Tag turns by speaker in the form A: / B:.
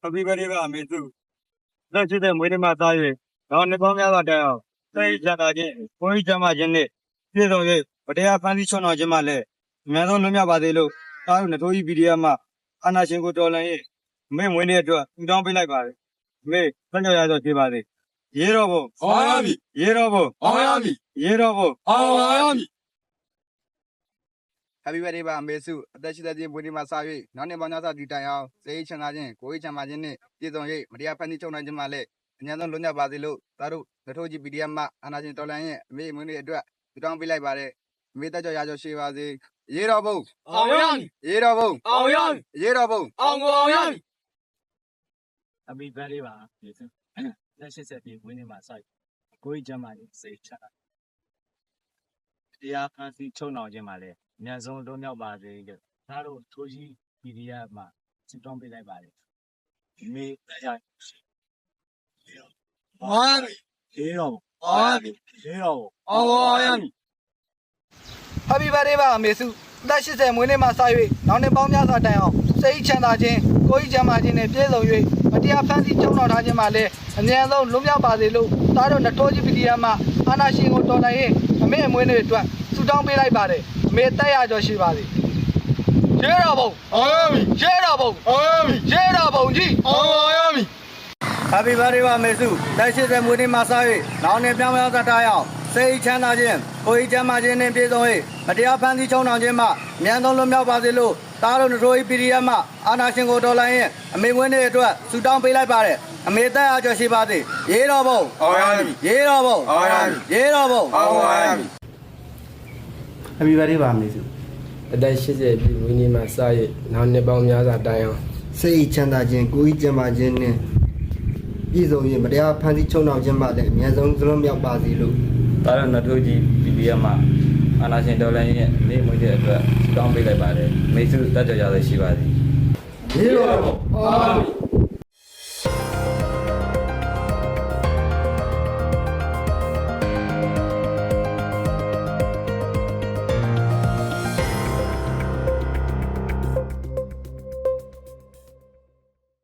A: Happy birthday ပါအမေစုလက်ရှိတဲ့မွေးနေ့မှာသား၍တော့နှစ်ပေါင်းများစွာတိုင်အောင်စိတ်ချတာချင်းကိုယ်ကြီးချမ်းသာခြင်းနဲ့ပြည့်စုံ၍ဗတရားဖန်ဆီးချွန်တော်ခြင်းမှလည်းအများဆုံးလွတ်မြောက်ပါစေလို့သားတို့နှစ်ထိုးကြီး PDF မှအာနာရှင်ကိုတော်လှန်၍အမေမွေးနေ့အတွက်ပူတောင်းပေးလိုက်ပါတယ်အမေဆက်ကြော်ရတော့ကျေးပါစေရေတော်ဘုံ
B: အောင်ရမည်
A: ရေတော်ဘုံ
B: အောင်ရမည်
A: ရေတော်ဘုံ
B: အောင်ရမည်
C: Happy birthday ပါအမေစုအသက်ရှိတဲ့ခြင်းမွေးနေ့မှာစ၍နောက်နှစ်ပေါင်းများစွာတည်တိုင်အောင်စိတ်ချမ်းသာခြင်းကိုယ်ရေးချမ်းသာခြင်းနဲ့ပြည့်စုံ၍မတရားဖန်တီးချုပ်နိုင်ခြင်းမှလည်းအများဆုံးလွတ်မြောက်ပါစေလို့သားတို့လက်ထိုးကြီး PDF မှအာနာရှင်တော်လှန်ရဲ့အမေမွေးနေ့အတွက်ပြုတောင်းပေးလိုက်ပါတယ်အမေတက်ကြော်ရကြော်ရှိပါစေရေတော်ဘုံ
B: အောင်ရမည်
C: ရေတော်ဘုံ
B: အောင်ရမည်
C: ရေတော်ဘုံ
B: အောင်ရမည်
A: Happy birthday ပါအမေစုလက်ရှိတဲ့မွေးနေ့မှာစိုက်ကိုယ်ကြီးချမ်းသာခြင်းစိတ်ချတာတရားဖန်ဆီးချွန်တော်ခြင်းမှလည်းအများဆုံးလွတ်မြောက်ပါစေလို့သားတို့ထိုးကြီး PDF မှဆုတောင်းပေးလိုက်ပါတယ်မေတရား
B: အောင်ရမည်
A: ရေတော်
B: အောင်ရမည်
A: ရေတော်
B: အောင်ရမည်
C: Happy birthday ပါအမေစုအသက်80မွေးနေ့မှာစ၍နောက်နှစ်ပေါင်းများစွာတိုင်အောင်စိတ်ချမ်းသာခြင်းကိုယ်ရေးချမ်းသာခြင်းနဲ့ပြည့်စုံ၍မတရားဖန်ဆီးချုပ်တော်ထားခြင်းမှလည်းအများဆုံးလွတ်မြောက်ပါစေလို့သားတို့နှစ်ထိုးကြီး PDF မှအာနာရှင်ကိုတော်လှန်ရဲ့အမေအမွေးနေ့အတွက်ဆုတောင်းပေးလိုက်ပါတယ်အမေတက်ရကြော်ရှိပါစေရေတော်ဘုံ
B: အောင်ရမည်
C: ရေတော်ဘုံ
B: အောင်ရမည်
C: ရေတော်ဘုံကြီး
B: အောင်ရမည်
A: Happy birthday ပါမေစုလက်ရှိတဲ့မွေးနေ့မှာစား၍နောက်နေ့ပြောင်းပြောင်းသက်တာရအောင်စိတ်ချမ်းသာခြင်းကိုယ်ကြီးချမ်းသာခြင်းနဲ့ပြည့်စုံ၍မတရားဖန်ဆီးချုံနှောင်ခြင်းမှအမြန်ဆုံးလွတ်မြောက်ပါစေလို့သားတို့တို့ PDF မှအာနာရှင်ကိုတော်လှန်ရင်အမေမွေးနေ့အတွက်ဆုတောင်းပေးလိုက်ပါတယ်အမေတက်အားကြော်ရှိပါစေရေတော်ဘုံ
B: အောင်ရမည်
A: ရေတော်ဘုံ
B: အောင်ရမည်
A: ရေတော်ဘုံ
B: အောင်ရမည်
D: Happy birthday ပါမေစု
E: အသက်80ပြည့်ဝင်းနေမှာစရနောက်နှစ်ပေါင်းများစွာတိုင်အောင်
D: စိတ်ချမ်းသာခြင်းကိုယ်ကြီးကျန်းမာခြင်းနဲ့ပြည့်စုံရင်မတရားဖန်ဆီးချုံနှောင်ခြင်းမှလည်းအများဆုံးသလုံးမြောက်ပါစေလို့
F: တာရနထိုးကြီး PDF မှာအာနာရှင်တော်လိုင်းရဲ့နေ့မွေးတဲ့အတွက်တောင်းပေးလိုက်ပါတယ်မိတ်ဆွေတက်ကြရရရှိပါသည်
D: ရေတော်
B: အောင်ရမည်